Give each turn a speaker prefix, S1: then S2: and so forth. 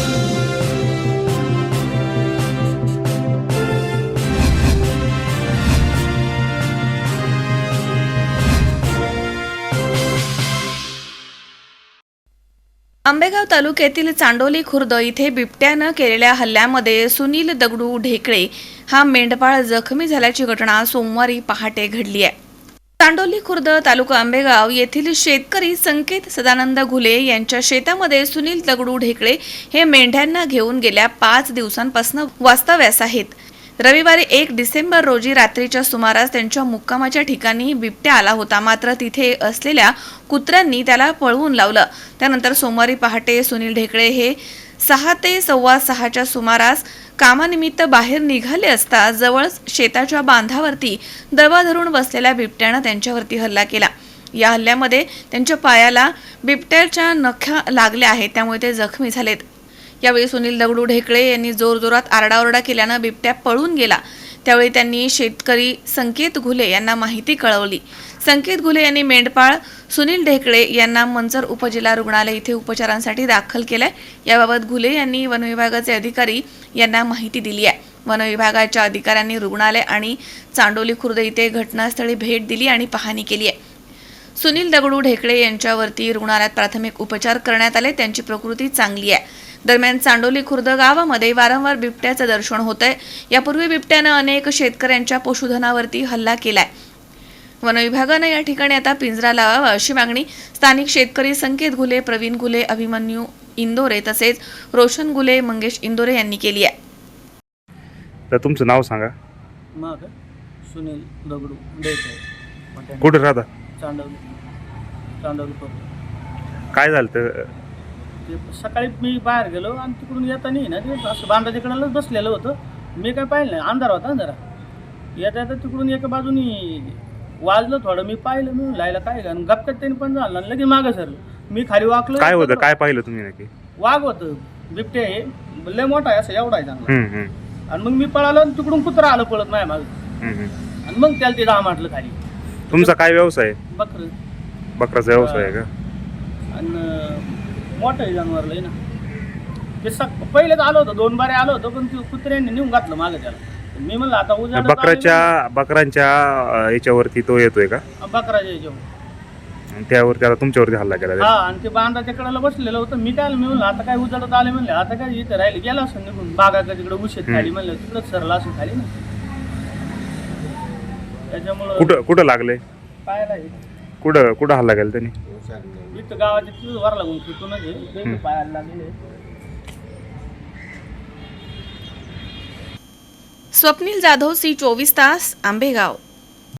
S1: आंबेगाव तालुक्यातील चांडोली खुर्द इथे बिबट्यानं केलेल्या हल्ल्यामध्ये सुनील दगडू ढेकळे हा मेंढपाळ जखमी झाल्याची घटना सोमवारी पहाटे घडली आहे। चांडोली खुर्द तालुका आंबेगाव येथील शेतकरी संकेत सदानंद घुले यांच्या शेतामध्ये सुनील दगडू ढेकळे हे मेंढ्यांना घेऊन गेल्या 5 दिवसांपासून वास्तव्यास आहेत। रविवारी 1 डिसेंबर रोजी रात्रीच्या सुमारास त्यांच्या मुक्कामाच्या ठिकाणी बिबट्या आला होता, मात्र तिथे असलेल्या कुत्र्यांनी त्याला पळवून लावलं। त्यानंतर सोमवारी पहाटे सुनील ढेकळे हे 6 ते 6:15च्या सुमारास कामानिमित्त बाहेर निघाले असता जवळच शेताच्या बांधावरती दबा धरून बसलेल्या बिबट्यानं त्यांच्यावरती हल्ला केला। या हल्ल्यामध्ये त्यांच्या पायाला बिबट्याच्या नख्या लागल्या आहेत, त्यामुळे ते जखमी झालेत। यावेळी सुनील दगडू ढेकळे यांनी जोरजोरात आरडाओरडा केल्यानं बिबट्या पळून गेला। त्यावेळी त्यांनी शेतकरी संकेत घुले यांना माहिती कळवली। संकेत घुले यांनी मेंढपाळ सुनील ढेकळे यांना मंचर उपजिल्हा रुग्णालय इथे उपचारांसाठी दाखल केलंय। याबाबत घुले यांनी वनविभागाचे अधिकारी यांना माहिती दिली आहे। वनविभागाच्या अधिकाऱ्यांनी रुग्णालय आणि चांडोली खुर्द इथे घटनास्थळी भेट दिली आणि पाहणी केली आहे। सुनील दगडू ढेकळे यांच्यावरती रुग्णालयात प्राथमिक उपचार करण्यात आले, त्यांची प्रकृती चांगली आहे। दरम्यान चांडोली खुर्द गावामध्ये वारंवार बिबट्याचं दर्शन होतंय। यापूर्वी बिबट्यानं अनेक शेतकऱ्यांच्या पशुधनावरती हल्ला केलाय। वनविभागानं या ठिकाणी आता पिंजरा लावावा अशी मागणी स्थानिक शेतकरी संकेत घुले, प्रवीण घुले, अभिमन्यू इंदोरे तसेच रोशन घुले, मंगेश इंदोरे यांनी केली आहे।
S2: तर तुमचं नाव सांगा।
S3: मग सुनील दगडू ढेकळे,
S2: कुठे राहता?
S3: चांडोली खुर्द।
S2: काय झालं तर?
S3: ते सकाळी मी बाहेर गेलो आणि तिकडून येताना ना ते असं बांधाच्या कडेलाच बसलेलं होतं। मी काय पाहिलं नाही, अंधार होता जरा। येता तिकडून एका बाजूनी वाजलं थोडं, मी पाहिलं, मी लायला काय आणि गपक्यात त्यांनी पण झालं आणि लगेच मागं सरलं। मी खाली वाकलो।
S2: काय होतं, काय पाहिलं तुम्ही नक्की?
S3: वाघ होतं, बिबटे हे लय मोठा आहे, असं एवढा आहे चांगला। आणि मग मी पळालो आणि तिकडून कुत्रा आलं पळत माझ्या मागं आणि मग त्याला ते दहा माटलं खाली।
S2: तुमचा काय व्यवसाय? बकराचा व्यवसाय आहे का?
S3: आणि मोठं जनावर लय ना ते पहिलेच आलो होतो, 2 बारे आलो होतो, पण ते कुत्र्यांनी नेऊन घातलं मागं त्याला। मी म्हणलं आता उजाड
S2: बकरांच्या याच्यावरती तो येतोय का?
S3: बकराच्या याच्यावर
S2: त्यावर त्याला तुमच्यावरती हल्ला केला?
S3: हा, आणि ते बांधाच्या कडेला बसलेलं होतं। मी काय मी म्हणलं आता काय उजाडत आले, म्हणले आता काय इथे राहिले, गेला असं निघून बागाच्या तिकडे उशेत खाली, म्हणलं तिकडंच सरला असं खाली ना। त्याच्यामुळं
S2: कुठं लागले?
S3: पायाला
S2: कुठं हल्ला केला त्यांनी?
S3: इथं गावाच्या तिथं वर लागून तिथूनच पायाला लागले।
S1: स्वप्नील जाधव, C24 तास, आंबेगाव।